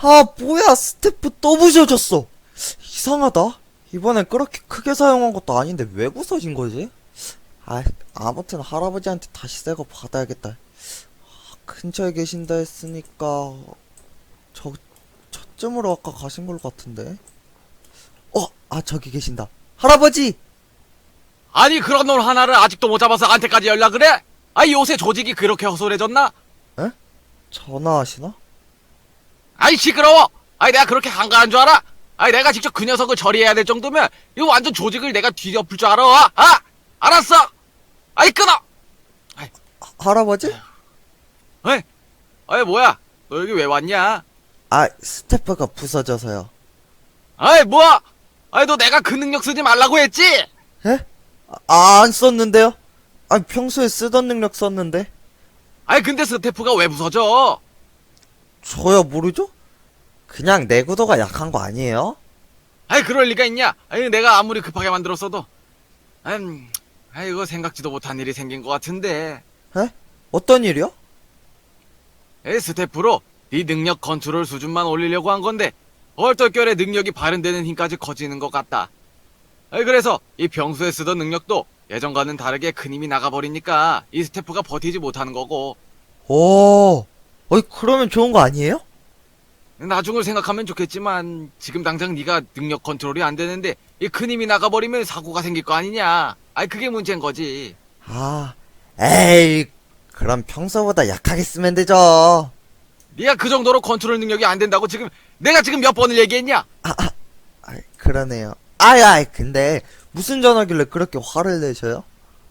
아, 뭐야, 스태프 또 부셔졌어. 이상하다. 이번엔 그렇게 크게 사용한 것도 아닌데 왜 부서진 거지? 아, 아무튼 할아버지한테 다시 새 거 받아야겠다. 근처에 계신다 했으니까 저쯤으로 아까 가신 걸 같은데. 저기 계신다. 할아버지! 아니 그런 놈 하나를 아직도 못 잡아서 한테까지 연락을 해? 아이 요새 조직이 그렇게 허술해졌나? 에? 전화하시나? 아이 시끄러워! 아이 내가 그렇게 한가한 줄 알아? 아이 내가 직접 그 녀석을 처리해야 될 정도면 이거 완전 조직을 내가 뒤엎을 줄 알아? 아! 알았어! 아이 끊어! 할아버지? 에이? 아이 뭐야? 너 여기 왜 왔냐? 스태프가 부서져서요. 아이 뭐야? 아이 너 내가 그 능력 쓰지 말라고 했지? 에? 안 썼는데요? 평소에 쓰던 능력 썼는데. 아이 근데 스태프가 왜 부서져? 저야 모르죠? 그냥 내구도가 약한 거 아니에요? 아이 그럴 리가 있냐? 아이 내가 아무리 급하게 만들었어도 아이 이거 생각지도 못한 일이 생긴 것 같은데 에? 어떤 일이요? 에이 스태프로 네 능력 컨트롤 수준만 올리려고 한 건데 얼떨결에 능력이 발현되는 힘까지 커지는 것 같다. 아이 그래서 이 평소에 쓰던 능력도 예전과는 다르게 큰 힘이 나가버리니까 이 스태프가 버티지 못하는 거고 그러면 좋은 거 아니에요? 나중을 생각하면 좋겠지만 지금 당장 네가 능력 컨트롤이 안 되는데 이 큰 힘이 나가버리면 사고가 생길 거 아니냐. 아이 그게 문제인 거지. 에이, 그럼 평소보다 약하게 쓰면 되죠. 네가 그 정도로 컨트롤 능력이 안 된다고 지금 내가 지금 몇 번을 얘기했냐? 그러네요. 근데 무슨 전화길래 그렇게 화를 내셔요?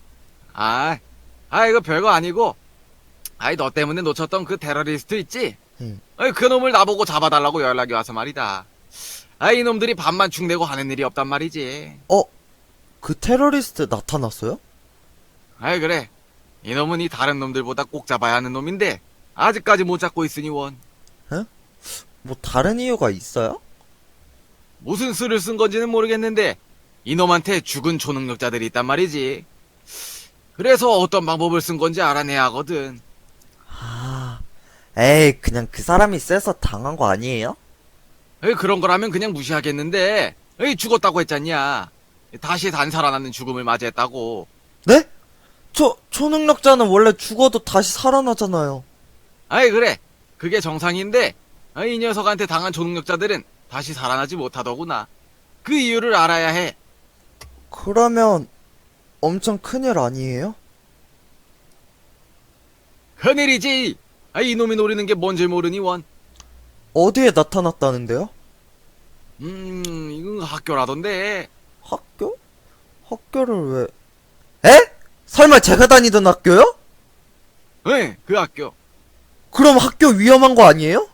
이거 별거 아니고 너 때문에 놓쳤던 그 테러리스트 있지? 응. 그 놈을 나보고 잡아달라고 연락이 와서 말이다. 이놈들이 밥만 축내고 하는 일이 없단 말이지. 그 테러리스트 나타났어요? 그래. 이놈은 이 다른 놈들보다 꼭 잡아야 하는 놈인데 아직까지 못 잡고 있으니 원. 뭐 다른 이유가 있어요? 무슨 수를 쓴 건지는 모르겠는데 이놈한테 죽은 초능력자들이 있단 말이지. 그래서 어떤 방법을 쓴 건지 알아내야 하거든. 에이, 그냥 그 사람이 세서 당한 거 아니에요? 그런 거라면 그냥 무시하겠는데 죽었다고 했잖냐. 다시 살아나는 죽음을 맞이했다고. 네? 초능력자는 원래 죽어도 다시 살아나잖아요. 그래. 그게 정상인데 이 녀석한테 당한 초능력자들은 다시 살아나지 못하더구나. 그 이유를 알아야 해. 그러면 엄청 큰일 아니에요? 큰일이지. 이놈이 노리는 게 뭔지 모르니 원. 어디에 나타났다는데요? 이건 학교라던데. 학교? 학교를 왜? 에? 설마 제가 다니던 학교요? 그 학교. 그럼 학교 위험한 거 아니에요?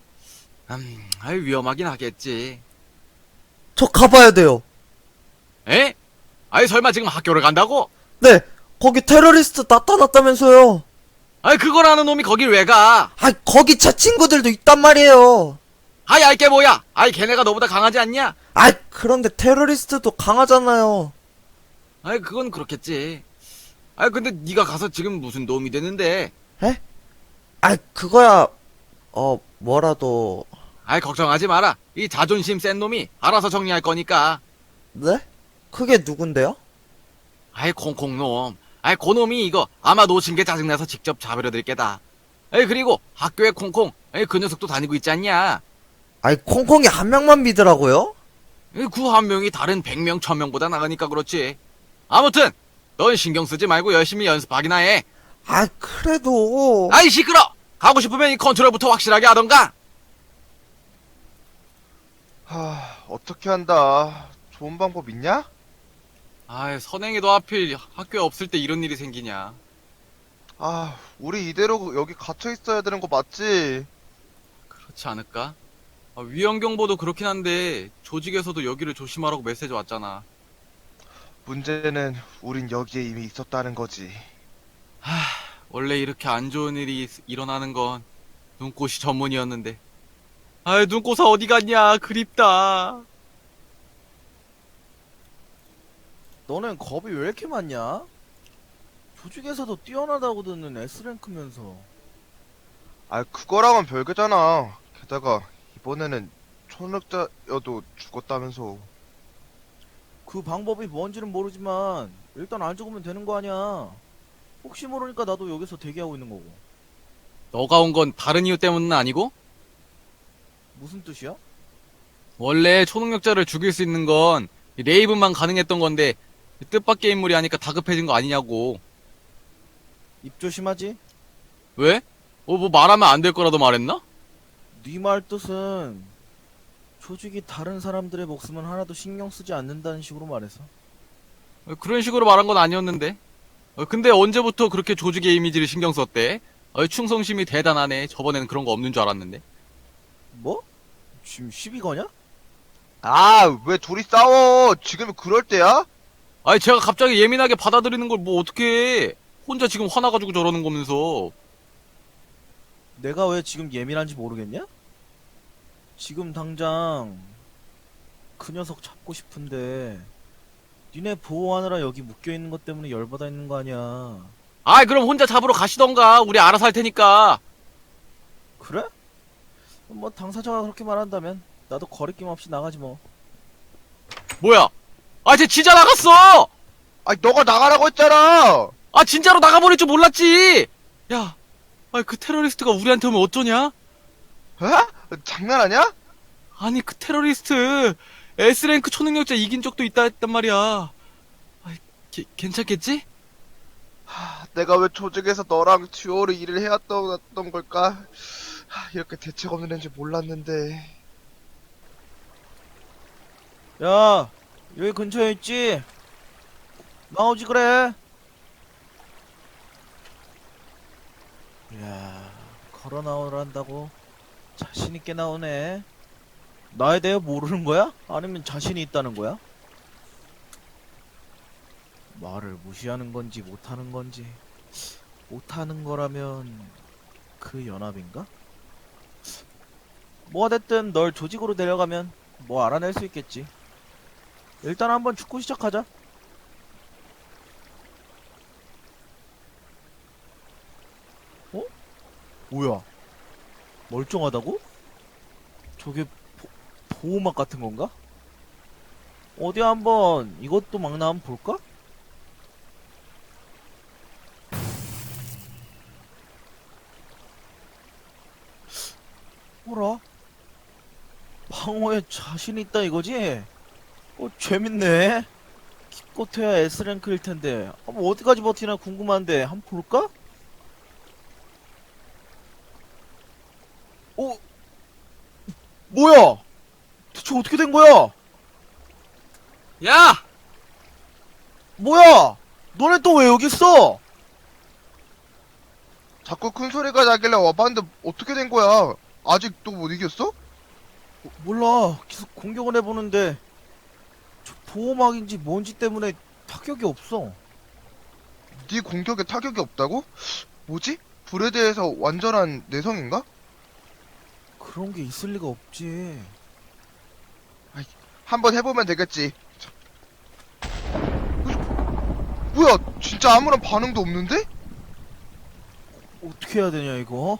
위험하긴 하겠지. 저 가봐야 돼요. 에? 설마 지금 학교를 간다고? 네, 거기 테러리스트 나타났다면서요. 그걸 아는 놈이 거길 왜 가? 거기 제 친구들도 있단 말이에요. 이게 뭐야? 걔네가 너보다 강하지 않냐? 그런데 테러리스트도 강하잖아요. 그건 그렇겠지. 근데 네가 가서 지금 무슨 도움이 되는데? 에? 그거야, 뭐라도. 걱정하지 마라. 이 자존심 센 놈이 알아서 정리할 거니까. 네? 그게 누군데요? 콩콩놈. 그 놈이 이거 아마 놓친 게 짜증나서 직접 잡으려 들 게다. 그리고 학교에 콩콩. 그 녀석도 다니고 있지 않냐? 콩콩이 한 명만 믿으라고요? 그 한 명이 다른 100명, 1000명보다 나가니까 그렇지. 아무튼 넌 신경 쓰지 말고 열심히 연습하기나 해. 그래도. 시끄러! 가고 싶으면 이 컨트롤부터 확실하게 하던가. 어떻게 한다. 좋은 방법 있냐? 선행이도 하필 학교에 없을 때 이런 일이 생기냐. 우리 이대로 여기 갇혀 있어야 되는 거 맞지? 그렇지 않을까? 위험경보도 그렇긴 한데 조직에서도 여기를 조심하라고 메시지 왔잖아. 문제는 우린 여기에 이미 있었다는 거지. 원래 이렇게 안 좋은 일이 일어나는 건 눈꽃이 전문이었는데. 눈꽃아 어디 갔냐. 그립다. 너넨 겁이 왜 이렇게 많냐? 조직에서도 뛰어나다고 듣는 S랭크면서. 그거랑은 별개잖아. 게다가 이 이번에는 초능력자여도 죽었다면서. 그 방법이 뭔지는 모르지만 일단 안 죽으면 되는 거 아니야. 혹시 모르니까 나도 여기서 대기하고 있는 거고. 너가 온 건 다른 이유 때문은 아니고? 무슨 뜻이야? 원래 초능력자를 죽일 수 있는 건 레이븐만 가능했던 건데 뜻밖의 인물이 하니까 다급해진 거 아니냐고. 입 조심하지? 왜? 뭐 말하면 안 될 거라도 말했나? 네 말 뜻은 조직이 다른 사람들의 목숨은 하나도 신경 쓰지 않는다는 식으로 말해서. 그런 식으로 말한 건 아니었는데. 근데 언제부터 그렇게 조직의 이미지를 신경 썼대? 충성심이 대단하네. 저번에는 그런 거 없는 줄 알았는데. 뭐? 지금 시비 거냐? 아, 왜 둘이 싸워? 지금이 그럴 때야? 아니 제가 갑자기 예민하게 받아들이는 걸 뭐 어떻게 해? 혼자 지금 화나가지고 저러는 거면서. 내가 왜 지금 예민한지 모르겠냐? 지금 당장 그 녀석 잡고 싶은데 니네 보호하느라 여기 묶여있는 것 때문에 열받아 있는 거 아니야. 아이 그럼 혼자 잡으러 가시던가. 우리 알아서 할 테니까. 그래? 뭐 당사자가 그렇게 말한다면 나도 거리낌 없이 나가지 뭐. 뭐야? 아 쟤 진짜 나갔어! 아니, 너가 나가라고 했잖아! 아 진짜로 나가버릴 줄 몰랐지! 야, 그 테러리스트가 우리한테 오면 어쩌냐? 에? 장난하냐? 아니 그 테러리스트 S랭크 초능력자 이긴 적도 있다 했단 말이야. 괜찮겠지? 내가 왜 조직에서 너랑 듀오로 일을 해왔던 걸까? 이렇게 대책 없는 애인지 몰랐는데. 야, 여기 근처에 있지? 나오지 그래. 이야, 걸어 나오란다고 자신 있게 나오네. 나에 대해 모르는 거야? 아니면 자신이 있다는 거야? 말을 무시하는 건지 못하는 건지. 못하는 거라면 그 연합인가? 뭐가 됐든 널 조직으로 데려가면 뭐 알아낼 수 있겠지. 일단 한번 축구 시작하자. 어? 뭐야? 멀쩡하다고? 저게 보호막 같은 건가? 어디 한번 이것도 막나 한번 볼까? 뭐라? 방어에 자신 있다 이거지? 재밌네. 기껏해야 S랭크일 텐데. 뭐 어디까지 버티나 궁금한데 한번 볼까? 뭐야? 대체 어떻게 된 거야? 야! 뭐야? 너네 또 왜 여기 있어? 자꾸 큰 소리가 나길래 와봤는데 어떻게 된 거야? 아직도 못 이겼어? 몰라. 계속 공격을 해보는데 저 보호막인지 뭔지 때문에 타격이 없어. 네 공격에 타격이 없다고? 뭐지? 불에 대해서 완전한 내성인가? 그런 게 있을 리가 없지. 한번 해보면 되겠지. 뭐야? 진짜 아무런 반응도 없는데? 어떻게 해야 되냐 이거?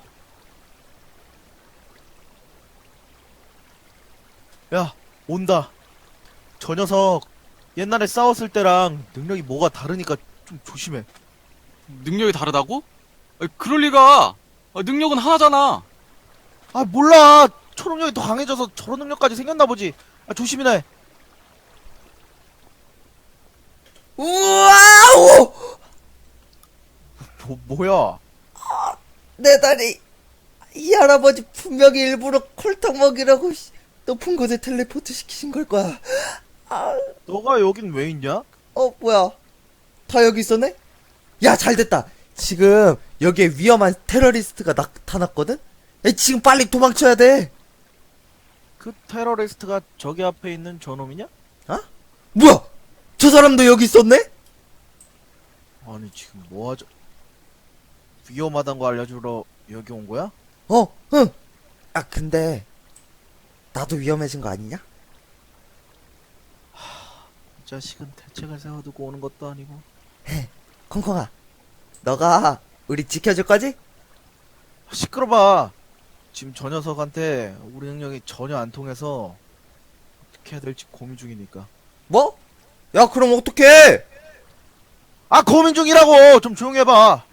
야, 온다. 저 녀석 옛날에 싸웠을 때랑 능력이 뭐가 다르니까 좀 조심해. 능력이 다르다고? 그럴 리가. 능력은 하나잖아. 아, 몰라. 초능력이 더 강해져서 저런 능력까지 생겼나 보지. 조심이나 해. 우와우! 뭐야? 내 다리. 이 할아버지 분명히 일부러 콜탕 먹이라고 높은 곳에 텔레포트 시키신 걸 거야. 너가 여긴 왜 있냐? 뭐야. 다 여기 있었네? 야, 잘 됐다. 지금 여기에 위험한 테러리스트가 나타났거든? 야, 지금 빨리 도망쳐야 돼. 그 테러리스트가 저기 앞에 있는 저놈이냐? 뭐야? 저 사람도 여기 있었네? 아니 지금 뭐하죠? 위험하단 거 알려주러 여기 온 거야? 응. 근데 나도 위험해진 거 아니냐? 이 자식은 대책을 세워두고 오는 것도 아니고. 콩콩아, 너가 우리 지켜줄 거지? 시끄러봐. 지금 저 녀석한테 우리 능력이 전혀 안 통해서 어떻게 해야 될지 고민 중이니까. 뭐? 야, 그럼 어떡해? 아, 고민 중이라고! 좀 조용히 해봐!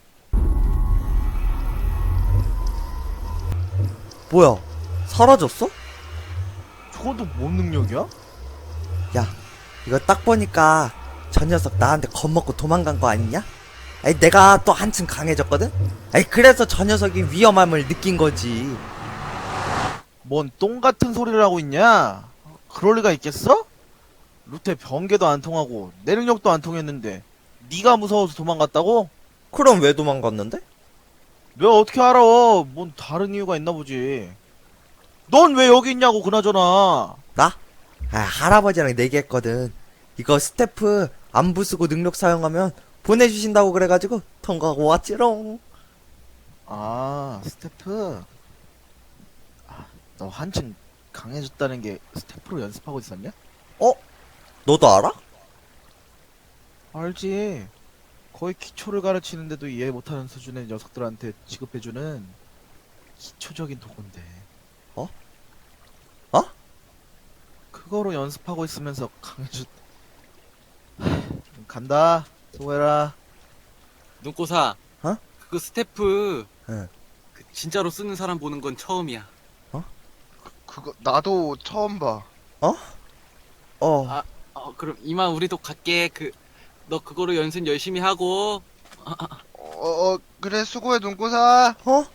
뭐야? 사라졌어? 저건 또 뭔 능력이야? 야, 이거 딱 보니까 저 녀석 나한테 겁먹고 도망간 거 아니냐? 아니, 내가 또 한층 강해졌거든? 아니, 그래서 저 녀석이 위험함을 느낀 거지. 뭔 똥 같은 소리를 하고 있냐? 그럴 리가 있겠어? 루테 번개도 안 통하고 내 능력도 안 통했는데 네가 무서워서 도망갔다고? 그럼 왜 도망갔는데? 내가 어떻게 알아? 뭔 다른 이유가 있나 보지. 넌 왜 여기 있냐고 그나저나. 나? 아, 할아버지랑 내기했거든. 이거 스태프 안 부수고 능력 사용하면 보내주신다고 그래가지고 통과하고 왔지롱. 아, 스태프. 아, 너 한층 강해졌다는 게 스태프로 연습하고 있었냐? 너도 알아? 알지. 거의 기초를 가르치는데도 이해 못하는 수준의 녀석들한테 지급해주는 기초적인 도구인데. 어? 어? 그거로 연습하고 있으면서 강해졌. 간다. 수고해라. 눈꼬사. 어? 그거 스태프. 응. 그 진짜로 쓰는 사람 보는 건 처음이야. 그거 나도 처음 봐. 어. 그럼 이만 우리도 갈게. 너 그거로 연습 열심히 하고. 그래, 수고해, 눈꼬사. 어?